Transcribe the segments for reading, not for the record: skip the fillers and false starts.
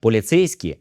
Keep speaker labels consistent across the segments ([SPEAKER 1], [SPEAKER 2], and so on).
[SPEAKER 1] Поліцейські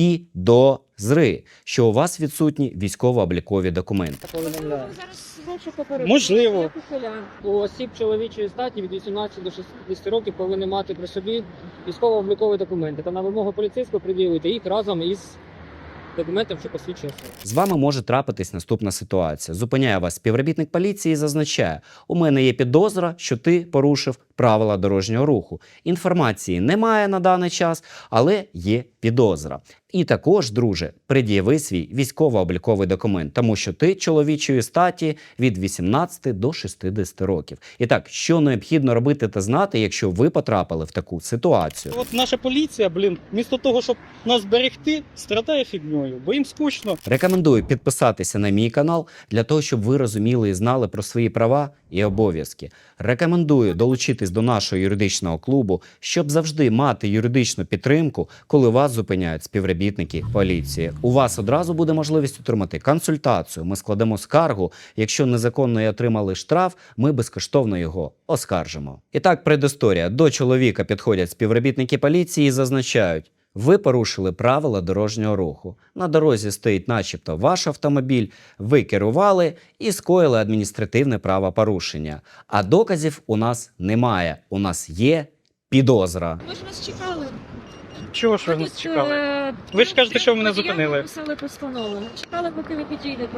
[SPEAKER 1] підозри, що у вас відсутні військово-облікові документи.
[SPEAKER 2] Повідомляю.
[SPEAKER 3] Зараз більше попередити.
[SPEAKER 2] Можливо.
[SPEAKER 3] Як ухилян.
[SPEAKER 2] У осіб чоловічої статі від 18 до 60 років повинні мати при собі військово-облікові документи та на вимогу поліцейського пред'явити їх разом із документом, що посвідчує особу.
[SPEAKER 1] З вами може трапитись наступна ситуація. Зупиняє вас співробітник поліції і зазначає: у мене є підозра, що ти порушив правила дорожнього руху. Інформації немає на даний час, але є підозра. І також, друже, пред'яви свій військово-обліковий документ, тому що ти чоловічої статі від 18 до 60 років. І так, що необхідно робити та знати, якщо ви потрапили в таку ситуацію?
[SPEAKER 2] От наша поліція, вмісто того, щоб нас берегти, страдає фігньою, бо їм скучно.
[SPEAKER 1] Рекомендую підписатися на мій канал для того, щоб ви розуміли і знали про свої права і обов'язки. Рекомендую долучитись до нашого юридичного клубу, щоб завжди мати юридичну підтримку, коли вас зупиняють співробітники поліції. У вас одразу буде можливість отримати консультацію. Ми складемо скаргу. Якщо незаконно отримали штраф, ми безкоштовно його оскаржимо. І так, предісторія. До чоловіка підходять співробітники поліції і зазначають: ви порушили правила дорожнього руху. На дорозі стоїть начебто ваш автомобіль, ви керували і скоїли адміністративне правопорушення. А доказів у нас немає. У нас є підозра.
[SPEAKER 3] Ми ж вас чекали.
[SPEAKER 2] Чого ж ви нас чекали? Ви ж кажете, що ви мене зупинили.
[SPEAKER 3] Я писали постанову. Чекали, поки ви підійдете.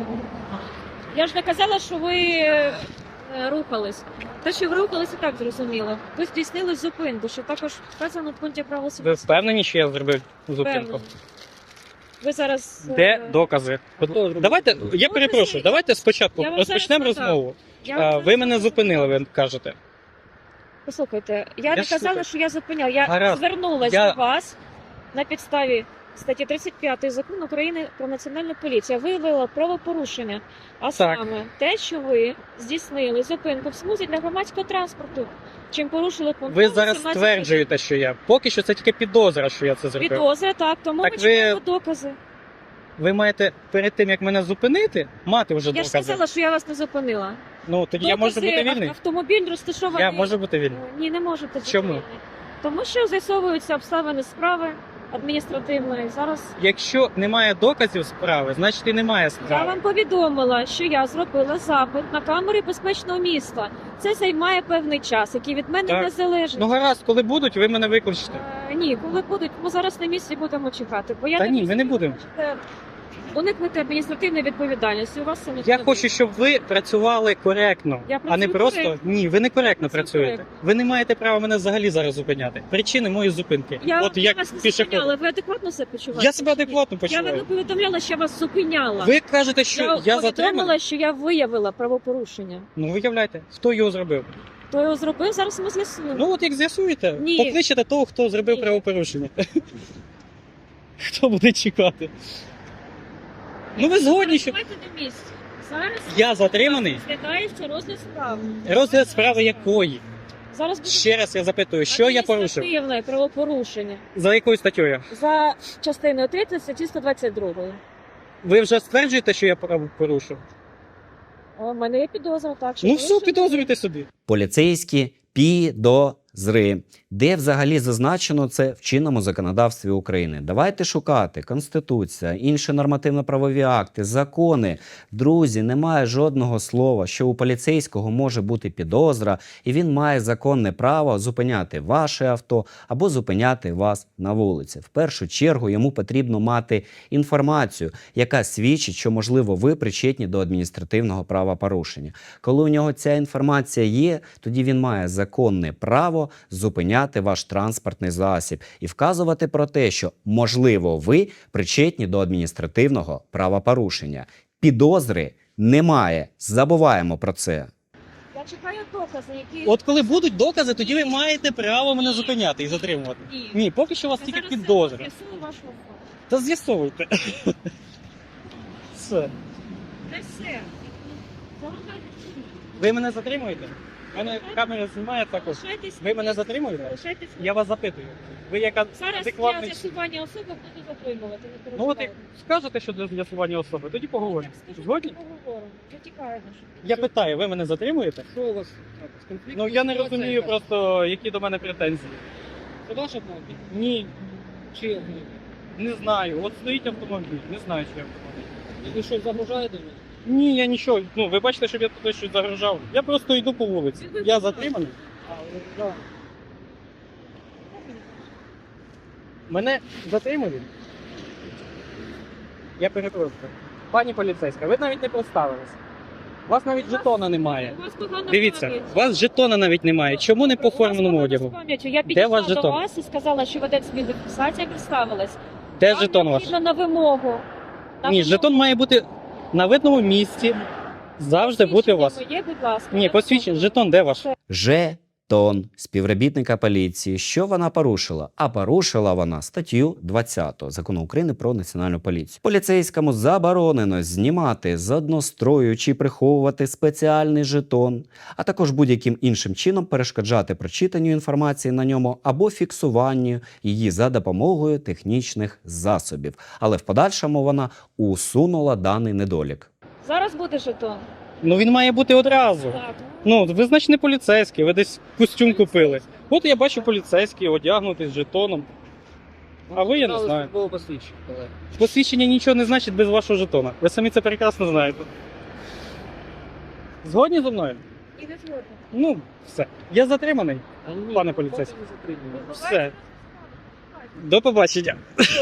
[SPEAKER 3] Я ж не казала, що ви рухались. Те, що ви рухались, і так зрозуміло. Ви здійснили зупинку, що також вказано в пункті правил
[SPEAKER 2] Ви впевнені, що я зробив зупинку?
[SPEAKER 3] Ви зараз...
[SPEAKER 2] Де докази? Давайте, я перепрошую, давайте спочатку
[SPEAKER 3] Я вам
[SPEAKER 2] розпочнемо
[SPEAKER 3] зараз сказав.
[SPEAKER 2] розмову.
[SPEAKER 3] Я
[SPEAKER 2] Ви мене зупинили, ви кажете.
[SPEAKER 3] Послухайте, я не
[SPEAKER 2] ж
[SPEAKER 3] казала,
[SPEAKER 2] слухаю.
[SPEAKER 3] що я зупиняв. Я
[SPEAKER 2] Гаразд.
[SPEAKER 3] звернулася
[SPEAKER 2] Я-
[SPEAKER 3] до вас на підставі статті 35 Закону України про національну поліцію. Виявила правопорушення, а саме те, що ви здійснили зупинку в смузі для громадського транспорту, чим порушили пункт.
[SPEAKER 2] Ви зараз
[SPEAKER 3] 18.
[SPEAKER 2] стверджуєте, що я. Поки що це тільки підозра, що я це зробив.
[SPEAKER 3] Підозра, так, тому
[SPEAKER 2] Так
[SPEAKER 3] ми
[SPEAKER 2] ви-
[SPEAKER 3] чекаємо докази.
[SPEAKER 2] Ви маєте перед тим, як мене зупинити, мати вже
[SPEAKER 3] Я ж
[SPEAKER 2] докази.
[SPEAKER 3] сказала, що я вас не зупинила.
[SPEAKER 2] Ну, тоді я можу бути вільний?
[SPEAKER 3] Автомобіль розташований...
[SPEAKER 2] Я можу бути вільний.
[SPEAKER 3] Ні, не можете бути
[SPEAKER 2] Чому?
[SPEAKER 3] вільний. Тому що з'ясовуються обставини справи адміністративної. Зараз
[SPEAKER 2] Якщо немає доказів справи, значить і немає
[SPEAKER 3] я
[SPEAKER 2] справи.
[SPEAKER 3] вам повідомила, що я зробила запит на камери безпечного міста. Це займає певний час, який від мене
[SPEAKER 2] Так.
[SPEAKER 3] не залежить.
[SPEAKER 2] Ну гаразд, коли будуть, ви мене викличете.
[SPEAKER 3] Ні, коли будуть, ми зараз на місці будемо чекати. Бо я
[SPEAKER 2] Та
[SPEAKER 3] так
[SPEAKER 2] ні, ми не
[SPEAKER 3] розумію,
[SPEAKER 2] будемо.
[SPEAKER 3] що уникнути адміністративної відповідальності. У вас це не
[SPEAKER 2] Я хочу, щоб ви працювали коректно,
[SPEAKER 3] Я
[SPEAKER 2] а не
[SPEAKER 3] працюю
[SPEAKER 2] просто
[SPEAKER 3] коректно.
[SPEAKER 2] ні, ви не коректно
[SPEAKER 3] Працюю
[SPEAKER 2] працюєте.
[SPEAKER 3] коректно.
[SPEAKER 2] Ви не маєте права мене взагалі зараз зупиняти. Причини моєї зупинки.
[SPEAKER 3] Я
[SPEAKER 2] От як
[SPEAKER 3] вас не
[SPEAKER 2] пішохід.
[SPEAKER 3] зупиняла. Ви адекватно себе почуваєте?
[SPEAKER 2] Я себе адекватно
[SPEAKER 3] Я вам не
[SPEAKER 2] почуваю.
[SPEAKER 3] повідомляла, що я вас зупиняла.
[SPEAKER 2] Ви кажете, що я
[SPEAKER 3] повідомила,
[SPEAKER 2] затриманий?
[SPEAKER 3] що я виявила правопорушення.
[SPEAKER 2] Ну виявляйте, хто його зробив.
[SPEAKER 3] Хто його зробив, зараз ми з'ясуємо.
[SPEAKER 2] Ну от як з'ясуєте,
[SPEAKER 3] Ні.
[SPEAKER 2] покличете того, хто зробив
[SPEAKER 3] Ні.
[SPEAKER 2] правопорушення. Хто буде чекати? Ну ви згодні, що
[SPEAKER 3] Давайте на місці. Зараз
[SPEAKER 2] я затриманий?
[SPEAKER 3] розглядається розгляд справи.
[SPEAKER 2] Розгляд справи якої?
[SPEAKER 3] Зараз буде
[SPEAKER 2] Ще раз я запитую, що я порушив?
[SPEAKER 3] адміністративне правопорушення
[SPEAKER 2] За якою статтею?
[SPEAKER 3] за частиною 3 статті 122.
[SPEAKER 2] Ви вже стверджуєте, що я порушив?
[SPEAKER 3] У мене є підозра, так що
[SPEAKER 2] Ну
[SPEAKER 3] ви
[SPEAKER 2] все,
[SPEAKER 3] що-
[SPEAKER 2] підозрюйте собі.
[SPEAKER 1] Поліцейські підозри. Де взагалі зазначено це в чинному законодавстві України? Давайте шукати Конституція, інші нормативно-правові акти, закони. Друзі, немає жодного слова, що у поліцейського може бути підозра, і він має законне право зупиняти ваше авто або зупиняти вас на вулиці. В першу чергу йому потрібно мати інформацію, яка свідчить, що, можливо, ви причетні до адміністративного правопорушення. Коли у нього ця інформація є, тоді він має законне право зупиняти ваш транспортний засіб і вказувати про те, що, можливо, ви причетні до адміністративного правопорушення. Підозри немає. Забуваємо про це.
[SPEAKER 3] Я чекаю докази, які...
[SPEAKER 2] От коли будуть докази, тоді ви маєте право мене зупиняти і затримувати.
[SPEAKER 3] Ні.
[SPEAKER 2] Ні, поки що у вас
[SPEAKER 3] Я
[SPEAKER 2] тільки
[SPEAKER 3] зараз
[SPEAKER 2] підозра.
[SPEAKER 3] з'ясую вашу особу.
[SPEAKER 2] Та з'ясовуйте. Все.
[SPEAKER 3] Це все. Залишайтесь.
[SPEAKER 2] Ви мене затримуєте? У мене камера знімає також.
[SPEAKER 3] Залишайтесь.
[SPEAKER 2] Ви мене затримуєте?
[SPEAKER 3] Залишайтесь.
[SPEAKER 2] Я вас запитую. Ви яка
[SPEAKER 3] Зараз
[SPEAKER 2] адекватний...
[SPEAKER 3] для з'ясування особи буду затримувати. Не
[SPEAKER 2] Ну от
[SPEAKER 3] переживайте.
[SPEAKER 2] як скажете, що для з'ясування особи, тоді поговоримо.
[SPEAKER 3] Так, скажіть,
[SPEAKER 2] Згодні?
[SPEAKER 3] поговоримо. Я тікаю.
[SPEAKER 2] Я питаю, ви мене затримуєте?
[SPEAKER 4] Що у вас з конфліктом?
[SPEAKER 2] Ну я не розумію просто, які до мене претензії.
[SPEAKER 4] Це ваш автомобіль?
[SPEAKER 2] Ні. Чи
[SPEAKER 4] Не знаю. От стоїть автомобіль, не знаю, чи автомобіль.
[SPEAKER 2] ви щось загрожаєте мені?
[SPEAKER 4] Ні, я нічого. Ну, ви бачите, щоб я тут щось загрожав. Я просто йду по вулиці. Я затриманий.
[SPEAKER 2] Да.
[SPEAKER 4] Мене затримали. Я перепрошую. Пані поліцейська, ви навіть не представились. У вас навіть жетона немає.
[SPEAKER 3] У вас погана
[SPEAKER 4] Дивіться,
[SPEAKER 3] пам'ять.
[SPEAKER 4] у вас жетона навіть немає. Чому не по
[SPEAKER 3] У вас
[SPEAKER 4] форменому
[SPEAKER 3] погана
[SPEAKER 4] одягу?
[SPEAKER 3] з пам'яттю. Я
[SPEAKER 4] Де ваш
[SPEAKER 3] підійшла до
[SPEAKER 4] жетон?
[SPEAKER 3] вас і сказала, що ведеться відеофіксація, представилась.
[SPEAKER 4] Де
[SPEAKER 3] Вам
[SPEAKER 4] жетон ваш?
[SPEAKER 3] необхідно на вимогу. На
[SPEAKER 4] Ні,
[SPEAKER 3] вимогу.
[SPEAKER 4] жетон має бути на видному місці. Завжди бути у вас.
[SPEAKER 3] Посвідчення моє, будь ласка.
[SPEAKER 4] Ні,
[SPEAKER 3] Я
[SPEAKER 4] посвідчення, жетон де ваш?
[SPEAKER 1] Жетон співробітника поліції. Що вона порушила? А порушила вона статтю 20 Закону України про національну поліцію. Поліцейському заборонено знімати з однострою чи приховувати спеціальний жетон, а також будь-яким іншим чином перешкоджати прочитанню інформації на ньому або фіксуванню її за допомогою технічних засобів. Але в подальшому вона усунула даний недолік.
[SPEAKER 3] Зараз буде жетон.
[SPEAKER 4] Ну він має бути одразу.
[SPEAKER 3] Так.
[SPEAKER 4] Ну, ви значить не поліцейський, ви десь костюм купили. От я бачу поліцейський, одягнутий з жетоном. А ви, я не знаю.
[SPEAKER 2] Було посвідчення, колеги.
[SPEAKER 4] Посвідчення нічого не значить без вашого жетона. Ви самі це прекрасно знаєте. Згодні зі мною?
[SPEAKER 3] І не згодна.
[SPEAKER 4] Ну, все. Я затриманий.
[SPEAKER 2] А ні,
[SPEAKER 4] Пане
[SPEAKER 2] ну,
[SPEAKER 4] поліцейський.
[SPEAKER 2] поки не затримуємо.
[SPEAKER 4] Все. До побачення.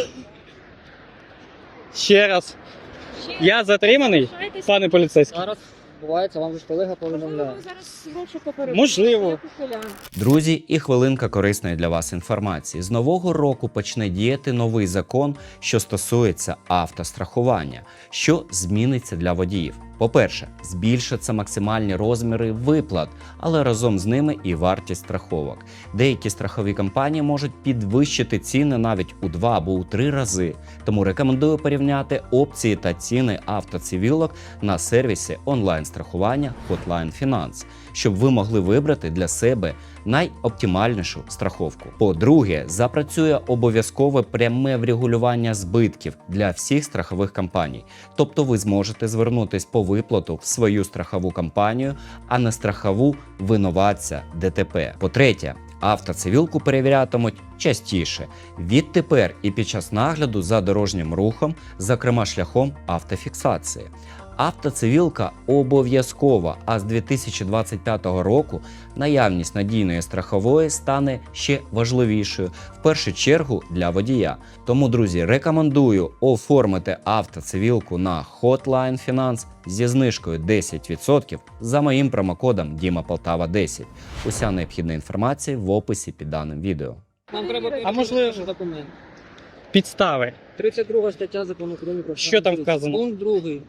[SPEAKER 4] Ще раз.
[SPEAKER 3] Ще
[SPEAKER 4] Я затриманий,
[SPEAKER 3] залишайтесь.
[SPEAKER 4] пане поліцейський.
[SPEAKER 2] Зараз бувається, вам же ж колега
[SPEAKER 3] Можливо,
[SPEAKER 2] повідомляє.
[SPEAKER 3] ви зараз розшуку перед.
[SPEAKER 4] Можливо.
[SPEAKER 3] Як ухилян.
[SPEAKER 1] Друзі, і хвилинка корисної для вас інформації. З нового року почне діяти новий закон, що стосується автострахування. Що зміниться для водіїв? По-перше, збільшаться максимальні розміри виплат, але разом з ними і вартість страховок. Деякі страхові компанії можуть підвищити ціни навіть у 2 або у 3 рази. Тому рекомендую порівняти опції та ціни автоцивілок на сервісі онлайн-страхування Hotline Finance, щоб ви могли вибрати для себе найоптимальнішу страховку. По-друге, запрацює обов'язкове пряме врегулювання збитків для всіх страхових компаній. Тобто ви зможете звернутись по виплату в свою страхову компанію, а не страхову винуватця ДТП. По-третє, автоцивілку перевірятимуть частіше. Відтепер і під час нагляду за дорожнім рухом, зокрема шляхом автофіксації. Автоцивілка обов'язкова, а з 2025 року наявність надійної страхової стане ще важливішою, в першу чергу для водія. Тому, друзі, рекомендую оформити автоцивілку на Hotline Finance зі знижкою 10% за моїм промокодом DIMAPOLTAVA10. Уся необхідна інформація в описі під даним відео.
[SPEAKER 2] Нам треба
[SPEAKER 4] А можливо-
[SPEAKER 2] перевірити документ.
[SPEAKER 4] Підстави.
[SPEAKER 2] 32 стаття закону України про
[SPEAKER 4] Що там
[SPEAKER 2] національну
[SPEAKER 4] вказано?
[SPEAKER 2] поліцію. Пункт 2.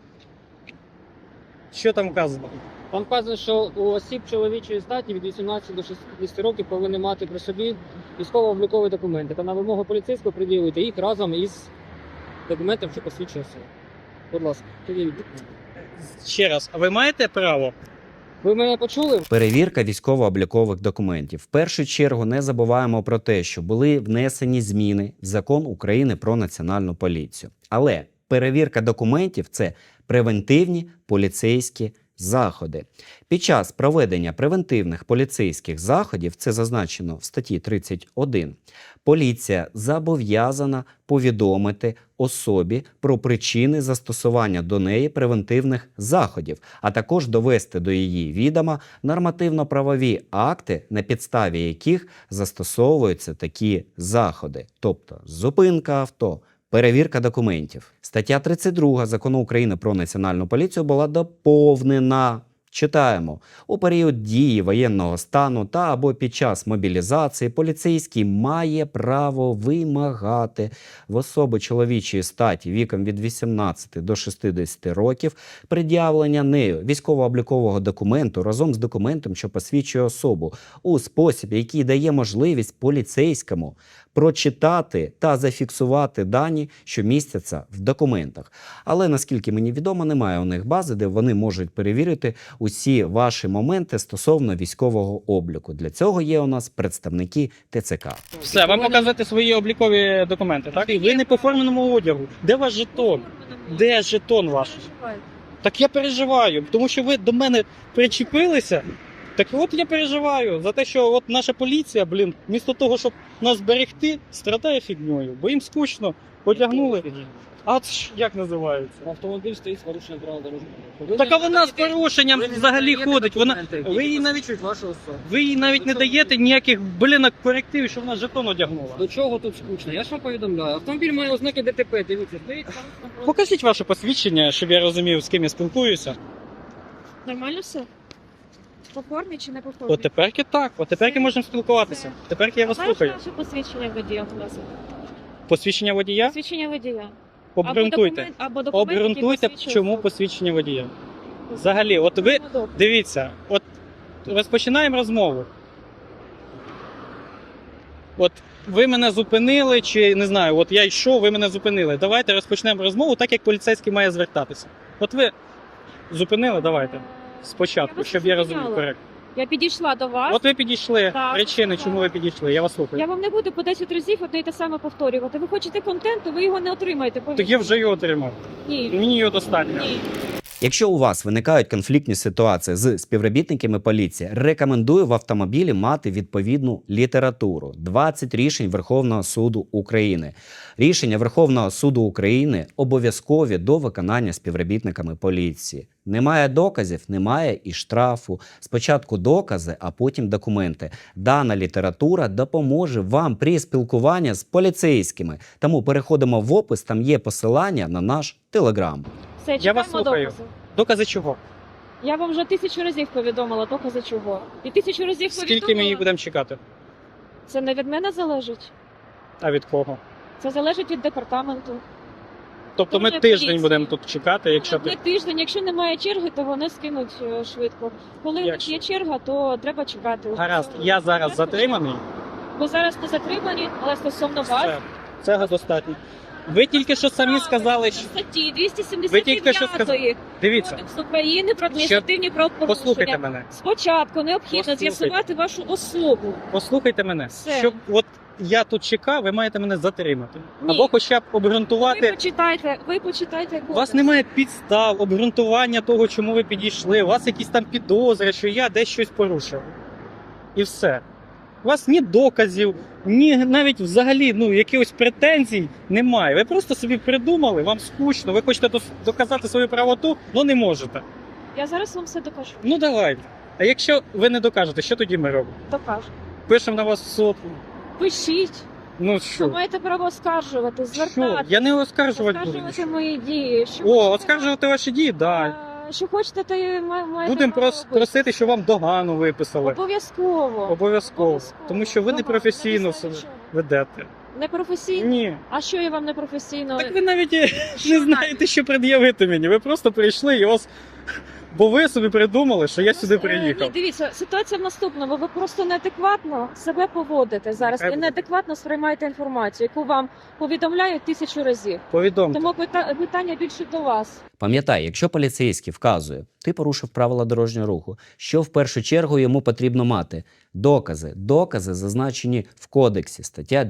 [SPEAKER 4] Що там вказано?
[SPEAKER 2] Там вказано, що у осіб чоловічої статі від 18 до 60 років повинні мати при собі військово-облікові документи. Та на вимогу поліцейського приділити їх разом із документом, що посвідчує особу. Будь ласка, пред'явіть документи.
[SPEAKER 4] Ще раз, а ви маєте право?
[SPEAKER 2] Ви мене почули?
[SPEAKER 1] Перевірка військово-облікових документів. В першу чергу не забуваємо про те, що були внесені зміни в Закон України про національну поліцію. Але перевірка документів – це превентивні поліцейські заходи. Під час проведення превентивних поліцейських заходів, це зазначено в статті 31, поліція зобов'язана повідомити особі про причини застосування до неї превентивних заходів, а також довести до її відома нормативно-правові акти, на підставі яких застосовуються такі заходи, тобто зупинка авто, перевірка документів. Стаття 32 Закону України про національну поліцію була доповнена. Читаємо. У період дії воєнного стану та або під час мобілізації поліцейський має право вимагати в особи чоловічої статі віком від 18 до 60 років пред'явлення нею військово-облікового документу разом з документом, що посвідчує особу, у спосіб, який дає можливість поліцейському прочитати та зафіксувати дані, що містяться в документах. Але, наскільки мені відомо, немає у них бази, де вони можуть перевірити усі ваші моменти стосовно військового обліку. Для цього є у нас представники ТЦК.
[SPEAKER 4] Все, вам показати свої облікові документи, так? Ви не по форменому одягу. Де ваш жетон? Де жетон ваш? Так я переживаю, тому що ви до мене причепилися Так от я переживаю за те, що от наша поліція, блін, вмісто того, щоб нас зберегти, страдає фігньою, бо їм скучно, одягнули. А це ж як називається?
[SPEAKER 2] Автомобіль стоїть з порушенням правил дорожнього руху.
[SPEAKER 4] Так а вона з порушенням взагалі ходить. Ви їй навіть
[SPEAKER 2] вашу особу.
[SPEAKER 4] ви їй навіть не даєте ніяких, блін, корективів, що вона жетон одягнула.
[SPEAKER 2] До чого тут скучно? Я ж вам повідомляю. Автомобіль має ознаки ДТП, дивіться, стоїть там.
[SPEAKER 4] Покажіть ваше посвідчення, щоб я розумів, з ким я спілкуюся.
[SPEAKER 3] Нормально все? По формі чи не по формі?
[SPEAKER 4] От теперки так, от теперки можемо спілкуватися. Теперки я вас
[SPEAKER 3] Знаєш
[SPEAKER 4] слухаю.
[SPEAKER 3] наше посвідчення водія, будь ласка?
[SPEAKER 4] Посвідчення водія?
[SPEAKER 3] Посвідчення водія.
[SPEAKER 4] Обґрунтуйте.
[SPEAKER 3] Або документ, який
[SPEAKER 4] Обґрунтуйте,
[SPEAKER 3] посвідчує
[SPEAKER 4] чому
[SPEAKER 3] особу.
[SPEAKER 4] посвідчення водія. Взагалі, от ви дивіться, от розпочинаємо розмову. От ви мене зупинили, чи не знаю, от я йшов, ви мене зупинили. Давайте розпочнемо розмову так, як поліцейський має звертатися. От ви зупинили, давайте. Спочатку,
[SPEAKER 3] вас
[SPEAKER 4] щоб
[SPEAKER 3] не
[SPEAKER 4] я розумів
[SPEAKER 3] зупиняла.
[SPEAKER 4] коректно.
[SPEAKER 3] Я підійшла до вас.
[SPEAKER 4] От ви підійшли.
[SPEAKER 3] Так,
[SPEAKER 4] Причини,
[SPEAKER 3] так.
[SPEAKER 4] чому ви підійшли? Я вас слухаю.
[SPEAKER 3] Я вам не буду по 10 разів одне й те саме повторювати. Ви хочете контенту, ви його не отримаєте.
[SPEAKER 4] Так я вже його отримав.
[SPEAKER 3] Ні.
[SPEAKER 4] Мені його достатньо.
[SPEAKER 3] Ні.
[SPEAKER 1] Якщо у вас виникають конфліктні ситуації з співробітниками поліції, рекомендую в автомобілі мати відповідну літературу. 20 рішень Верховного суду України. Рішення Верховного суду України обов'язкові до виконання співробітниками поліції. Немає доказів, немає і штрафу. Спочатку докази, а потім документи. Дана література допоможе вам при спілкуванні з поліцейськими. Тому переходимо в опис, там є посилання на наш Телеграм.
[SPEAKER 3] Все,
[SPEAKER 4] Я вас
[SPEAKER 3] чекаємо
[SPEAKER 4] слухаю.
[SPEAKER 3] докази.
[SPEAKER 4] Докази чого?
[SPEAKER 3] Я вам вже 1000 разів повідомила докази чого. І 1000 разів
[SPEAKER 4] Скільки ми
[SPEAKER 3] повідомила.
[SPEAKER 4] їх будемо чекати?
[SPEAKER 3] Це не від мене залежить.
[SPEAKER 4] А від кого?
[SPEAKER 3] Це залежить від департаменту.
[SPEAKER 4] Тобто ми
[SPEAKER 3] Дуже
[SPEAKER 4] тиждень
[SPEAKER 3] поліції.
[SPEAKER 4] будемо тут чекати, якщо
[SPEAKER 3] Не тиждень, якщо немає черги, то вони скинуть швидко. Коли у них
[SPEAKER 4] Якщо?
[SPEAKER 3] є черга, то треба чекати.
[SPEAKER 4] гаразд, я зараз затриманий.
[SPEAKER 3] Ви зараз не затримані, але стосовно вас.
[SPEAKER 4] Все, цього достатньо. Ви тільки що самі сказали, що
[SPEAKER 3] Статті
[SPEAKER 4] Ви тільки що
[SPEAKER 3] 279
[SPEAKER 4] дивіться,
[SPEAKER 3] Кодексу України про адміністративні правопорушення.
[SPEAKER 4] послухайте мене.
[SPEAKER 3] Спочатку необхідно
[SPEAKER 4] Послухайте.
[SPEAKER 3] з'ясувати вашу особу.
[SPEAKER 4] Послухайте мене.
[SPEAKER 3] Все.
[SPEAKER 4] Щоб от я тут чекав, ви маєте мене затримати.
[SPEAKER 3] Ні.
[SPEAKER 4] Або хоча б
[SPEAKER 3] Ви
[SPEAKER 4] обґрунтувати.
[SPEAKER 3] почитайте
[SPEAKER 4] У
[SPEAKER 3] кодекс.
[SPEAKER 4] вас немає підстав, обґрунтування того, чому ви підійшли. У вас якісь там підозри, що я десь щось порушив. І все. У вас ні доказів, ні навіть взагалі якихось претензій немає. Ви просто собі придумали, вам скучно, ви хочете доказати свою правоту, але не можете.
[SPEAKER 3] Я зараз вам все докажу.
[SPEAKER 4] Ну давайте. А якщо ви не докажете, що тоді ми робимо?
[SPEAKER 3] Докажу.
[SPEAKER 4] Пишемо на вас в суд.
[SPEAKER 3] Пишіть.
[SPEAKER 4] Ну
[SPEAKER 3] Ви
[SPEAKER 4] що?
[SPEAKER 3] маєте право оскаржувати,
[SPEAKER 4] Що?
[SPEAKER 3] звертати.
[SPEAKER 4] Я не оскаржувати буду.
[SPEAKER 3] Оскаржувати мої дії. Що
[SPEAKER 4] О,
[SPEAKER 3] хочете,
[SPEAKER 4] оскаржувати ваші дії? Так.
[SPEAKER 3] Що хочете, то і маєте
[SPEAKER 4] Будемо
[SPEAKER 3] право робити.
[SPEAKER 4] просити, щоб вам догану виписали.
[SPEAKER 3] Обов'язково.
[SPEAKER 4] Обов'язково. Тому що ви
[SPEAKER 3] Догану.
[SPEAKER 4] непрофесійно
[SPEAKER 3] Не
[SPEAKER 4] себе
[SPEAKER 3] писали, що?
[SPEAKER 4] ведете.
[SPEAKER 3] Непрофесійно?
[SPEAKER 4] Ні.
[SPEAKER 3] А що я вам непрофесійно?
[SPEAKER 4] Так ви навіть не знаєте, що пред'явити мені. Ви просто прийшли і вас. Бо ви собі придумали, що я сюди
[SPEAKER 3] Ні,
[SPEAKER 4] приїхав.
[SPEAKER 3] дивіться, ситуація в наступному. Ви просто неадекватно себе поводите зараз.
[SPEAKER 4] Нехай
[SPEAKER 3] І
[SPEAKER 4] буде.
[SPEAKER 3] неадекватно сприймаєте інформацію, яку вам повідомляють 1000 разів.
[SPEAKER 4] Повідомте.
[SPEAKER 3] Тому питання більше до вас.
[SPEAKER 1] Пам'ятай, якщо поліцейський вказує, ти порушив правила дорожнього руху, що в першу чергу йому потрібно мати? Докази. Докази зазначені в кодексі, стаття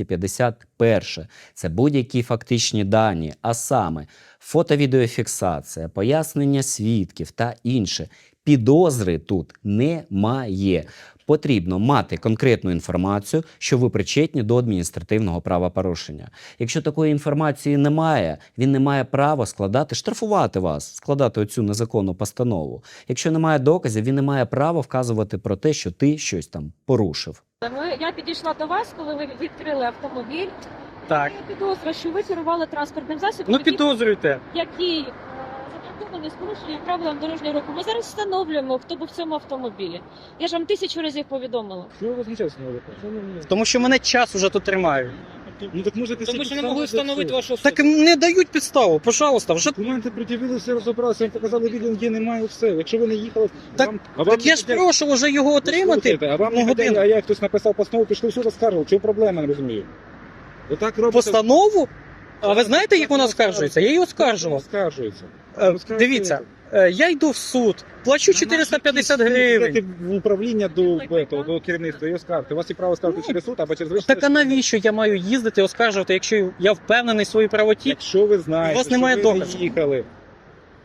[SPEAKER 1] 251. Це будь-які фактичні дані, а саме фото-відеофіксація, пояснення свідків та інше. Підозри тут немає. Потрібно мати конкретну інформацію, що ви причетні до адміністративного правопорушення. Якщо такої інформації немає, він не має права штрафувати вас, складати оцю незаконну постанову. Якщо немає доказів, він не має права вказувати про те, що ти щось там порушив.
[SPEAKER 3] Я підійшла до вас, коли ви відкрили автомобіль.
[SPEAKER 4] Так.
[SPEAKER 3] Я підозрюю, що ви керували транспортним засобом,
[SPEAKER 4] Ну підозрюйте.
[SPEAKER 3] який зафіксований з порушенням правил дорожнього руху. Ми зараз встановлюємо, хто був в цьому автомобілі. Я ж вам 1000 разів повідомила.
[SPEAKER 5] Що ви возмущаєтесь на вулиці?
[SPEAKER 4] Тому що мене час уже тут тримають.
[SPEAKER 5] Ну так можете
[SPEAKER 2] Тому що не могли встановити вашу особу.
[SPEAKER 4] Так не дають підставу, пожалуйста, вже.
[SPEAKER 5] Документи пред'явили, все розібралися, вам показали відео, де немає все. Якщо ви не їхали,
[SPEAKER 4] Так- Так я ж прошу вже його отримати.
[SPEAKER 5] А вам
[SPEAKER 4] на
[SPEAKER 5] не годину,
[SPEAKER 4] годину.
[SPEAKER 5] а як хтось написав постанову, пішли в суд, оскаржував. Чого проблема, не розумію. Отак робите.
[SPEAKER 4] Постанову? А ви знаєте, як вона оскаржується? Я її оскаржував.
[SPEAKER 5] Оскаржується.
[SPEAKER 4] Дивіться, я йду в суд, плачу 450 гривень.
[SPEAKER 5] Йдете в управління до керівництва і оскаржите. У вас є право ставити
[SPEAKER 4] Ну,
[SPEAKER 5] через суд, або через вищий
[SPEAKER 4] Так а
[SPEAKER 5] суд.
[SPEAKER 4] навіщо я маю їздити оскаржувати, якщо я впевнений в своїй правоті?
[SPEAKER 5] Якщо ви знаєте,
[SPEAKER 4] У вас немає
[SPEAKER 5] що ви
[SPEAKER 4] доказів.
[SPEAKER 5] не їхали.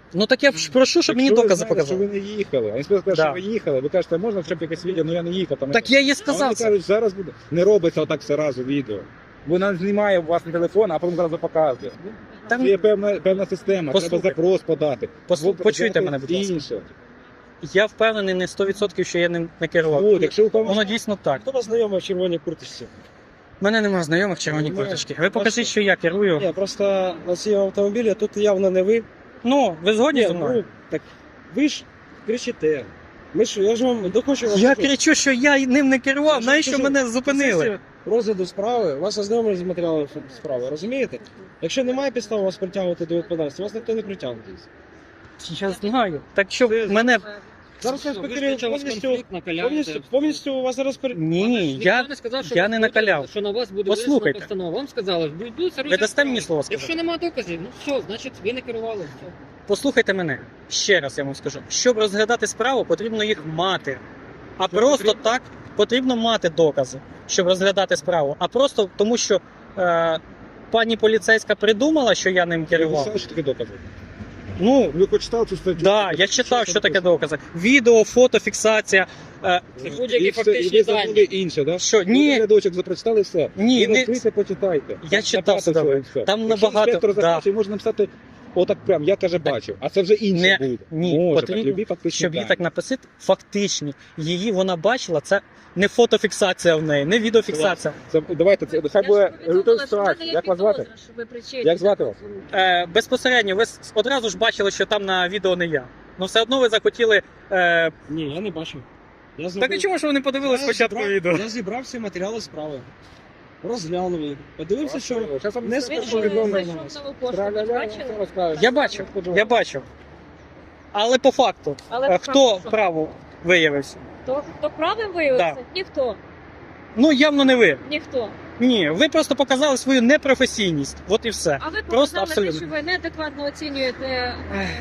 [SPEAKER 4] Ну так я ж прошу, щоб мені
[SPEAKER 5] Якщо ви
[SPEAKER 4] докази
[SPEAKER 5] знаєте,
[SPEAKER 4] показали.
[SPEAKER 5] що ви не їхали, а інспектор каже,
[SPEAKER 4] Да.
[SPEAKER 5] що ви їхали, ви кажете, можна хоча б якесь відео, ну я не їхав. Там,
[SPEAKER 4] Так я їй
[SPEAKER 5] а
[SPEAKER 4] сказав
[SPEAKER 5] вони
[SPEAKER 4] це.
[SPEAKER 5] кажуть, зараз буде. Не робиться отак все разу відео. Вона знімає у вас на телефон, а потім зразу показує.
[SPEAKER 4] Там-
[SPEAKER 5] Є певна система,
[SPEAKER 4] Послухай.
[SPEAKER 5] треба запрос подати.
[SPEAKER 4] Почуйте мене, будь ласка.
[SPEAKER 5] Інше.
[SPEAKER 4] Я впевнений не 100%, що я ним не керував.
[SPEAKER 5] От, якщо ви
[SPEAKER 4] Воно дійсно так.
[SPEAKER 6] Хто вас знайомий в червоній курточці?
[SPEAKER 4] У мене немає знайомих в червоній
[SPEAKER 6] Немає.
[SPEAKER 4] курточці. Ви покажіть, що я керую.
[SPEAKER 6] Ні, просто на цьому автомобілі тут явно не ви.
[SPEAKER 4] Ну, ви згодні зі
[SPEAKER 6] Ні,
[SPEAKER 4] мною?
[SPEAKER 6] так ви ж кричите. Я ж вам дохочу вам
[SPEAKER 4] Я
[SPEAKER 6] кажу.
[SPEAKER 4] кричу, що я ним не керував,
[SPEAKER 6] Я ж
[SPEAKER 4] навіщо
[SPEAKER 6] кажу,
[SPEAKER 4] мене зупинили?
[SPEAKER 6] Після розгляду справи, вас ознайомили з матеріалами справи, розумієте? Якщо немає підстав вас притягувати до відповідальності, вас ніхто не притягне.
[SPEAKER 4] Я знаю. Так що мене...
[SPEAKER 6] Зараз
[SPEAKER 2] Що,
[SPEAKER 6] інспектори
[SPEAKER 2] виключили вас
[SPEAKER 6] повністю,
[SPEAKER 2] конфлікт, накаляєте.
[SPEAKER 6] повністю у вас зараз
[SPEAKER 4] Ні,
[SPEAKER 2] Ніхто не сказав, що
[SPEAKER 4] я
[SPEAKER 2] ви
[SPEAKER 4] не
[SPEAKER 2] будете-
[SPEAKER 4] накаляв.
[SPEAKER 2] Що на вас буде
[SPEAKER 4] Послухайте.
[SPEAKER 2] винесена постанова. Вам сказали, будуть
[SPEAKER 4] Ви дасте мені слово сказати?
[SPEAKER 2] Якщо немає доказів, ну все, значить ви не керували. Все.
[SPEAKER 4] Послухайте мене, ще раз я вам скажу. Щоб розглядати справу, потрібно їх мати. А просто так потрібно мати докази, щоб розглядати справу. А просто тому, що пані поліцейська придумала, що я ним
[SPEAKER 5] Ви
[SPEAKER 4] керував.
[SPEAKER 5] знаєте, що таке докази?
[SPEAKER 4] Ну,
[SPEAKER 5] Ви хоч читали цю статтю?
[SPEAKER 4] да, я читав, що таке докази. Відео, фото, фіксація.
[SPEAKER 2] Це будь-які
[SPEAKER 5] І все,
[SPEAKER 2] фактичні
[SPEAKER 5] і ви забули
[SPEAKER 2] дані.
[SPEAKER 5] інше, да?
[SPEAKER 4] Що?
[SPEAKER 5] Ви
[SPEAKER 4] Ні,
[SPEAKER 5] рядочок запрочитали все.
[SPEAKER 4] ні,
[SPEAKER 5] Ви
[SPEAKER 4] не,
[SPEAKER 5] відкрийте, почитайте.
[SPEAKER 4] Я читав все добре. Там
[SPEAKER 5] Якщо
[SPEAKER 4] набагато-
[SPEAKER 5] інспектор
[SPEAKER 4] да.
[SPEAKER 5] захоче, можна написати отак прям, я каже бачив, а це вже інше
[SPEAKER 4] Не,
[SPEAKER 5] буде.
[SPEAKER 4] ні,
[SPEAKER 5] Може,
[SPEAKER 4] потрібно,
[SPEAKER 5] так, любі фактичні
[SPEAKER 4] щоб її
[SPEAKER 5] дані.
[SPEAKER 4] так написати, фактичні. Її вона бачила, це не фотофіксація в неї, не відеофіксація.
[SPEAKER 5] Давайте, це, хай буде ситуація. Як вас звати? Як звати вас?
[SPEAKER 4] Безпосередньо, ви одразу ж бачили, що там на відео не я. Ну все одно ви захотіли.
[SPEAKER 6] Ні, я не бачив. Я
[SPEAKER 4] Так і чому ж ви не подивились
[SPEAKER 6] Я
[SPEAKER 4] спочатку
[SPEAKER 6] зібрав-
[SPEAKER 4] відео?
[SPEAKER 6] Я зібрав всі матеріали справи. Розглянув їх. Подивився, що
[SPEAKER 5] Щас вам
[SPEAKER 6] не
[SPEAKER 5] скажу,
[SPEAKER 3] Він
[SPEAKER 6] що
[SPEAKER 5] що
[SPEAKER 3] же
[SPEAKER 6] відомо.
[SPEAKER 3] зайшов в нову пошту, ви бачили?
[SPEAKER 4] Я бачив. Але по факту,
[SPEAKER 3] Але
[SPEAKER 4] хто
[SPEAKER 3] факт,
[SPEAKER 4] право виявився?
[SPEAKER 3] хто правим виявився? Ніхто.
[SPEAKER 4] Ну явно не ви.
[SPEAKER 3] Ніхто.
[SPEAKER 4] Ні, ви просто показали свою непрофесійність. От і все.
[SPEAKER 3] А ви
[SPEAKER 4] Просто
[SPEAKER 3] показали те,
[SPEAKER 4] абсолютно.
[SPEAKER 3] що ви неадекватно оцінюєте,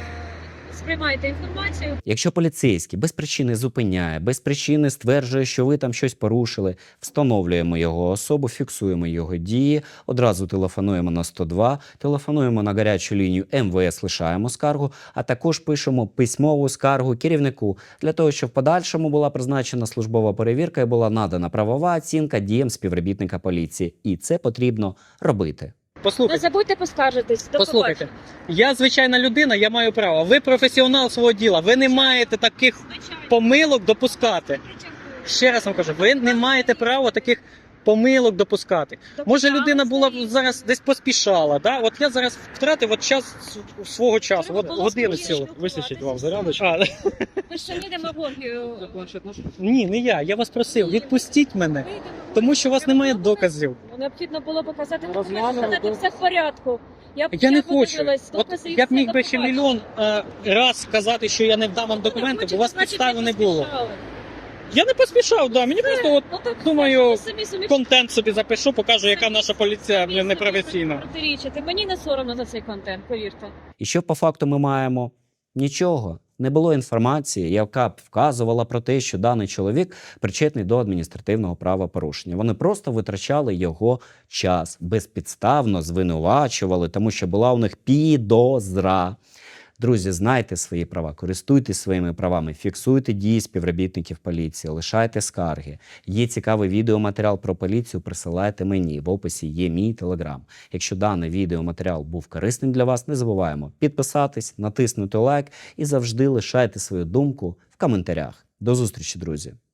[SPEAKER 3] сприймаєте інформацію.
[SPEAKER 1] Якщо поліцейський без причини зупиняє, без причини стверджує, що ви там щось порушили, встановлюємо його особу, фіксуємо його дії, одразу телефонуємо на 102, телефонуємо на гарячу лінію МВС, лишаємо скаргу, а також пишемо письмову скаргу керівнику для того, щоб в подальшому була призначена службова перевірка і була надана правова оцінка діям співробітника поліції. І це потрібно робити.
[SPEAKER 3] Не
[SPEAKER 4] Послухайте.
[SPEAKER 3] забудьте поскаржитись. До
[SPEAKER 4] Послухайте,
[SPEAKER 3] побачення.
[SPEAKER 4] я звичайна людина, я маю право. Ви професіонал свого діла. Ви не маєте таких
[SPEAKER 3] Звичайно.
[SPEAKER 4] помилок допускати. Ще раз вам кажу, ви не маєте права таких помилок допускати. Може, людина була б зараз десь поспішала. Да? От я зараз втратив от час свого часу, от годину цілу.
[SPEAKER 6] Вистачить вам зарядочку.
[SPEAKER 4] А,
[SPEAKER 3] Ви ж самі демагогію.
[SPEAKER 2] За планшет наш?
[SPEAKER 4] ні, не я. Я вас просив, відпустіть мене, тому що у вас немає доказів.
[SPEAKER 3] Необхідно було показати
[SPEAKER 2] Розглянули,
[SPEAKER 3] документи, сказати,
[SPEAKER 2] да.
[SPEAKER 3] все в порядку.
[SPEAKER 4] Я не хочу.
[SPEAKER 3] подивилась,
[SPEAKER 4] От
[SPEAKER 3] докази і
[SPEAKER 4] я б
[SPEAKER 3] все,
[SPEAKER 4] міг
[SPEAKER 3] до
[SPEAKER 4] би ще
[SPEAKER 3] побачення.
[SPEAKER 4] мільйон раз сказати, що я не вдам вам документи, бо у вас
[SPEAKER 3] Значить,
[SPEAKER 4] підстави
[SPEAKER 3] ви
[SPEAKER 4] не було.
[SPEAKER 3] поспішали.
[SPEAKER 4] Я не поспішав, да. Мені просто от
[SPEAKER 3] Ну, так,
[SPEAKER 4] думаю,
[SPEAKER 3] ви самі собі
[SPEAKER 4] контент собі запишу, покажу, яка наша поліція непрофесійна.
[SPEAKER 3] протирічите. Мені не соромно за цей контент, повірте.
[SPEAKER 1] І що по факту ми маємо? Нічого. Не було інформації, яка б вказувала про те, що даний чоловік причетний до адміністративного правопорушення. Вони просто витрачали його час, безпідставно звинувачували, тому що була у них підозра. Друзі, знайте свої права, користуйтесь своїми правами, фіксуйте дії співробітників поліції, лишайте скарги. Є цікавий відеоматеріал про поліцію, присилайте мені. В описі є мій телеграм. Якщо даний відеоматеріал був корисним для вас, не забуваємо підписатись, натиснути лайк і завжди лишайте свою думку в коментарях. До зустрічі, друзі!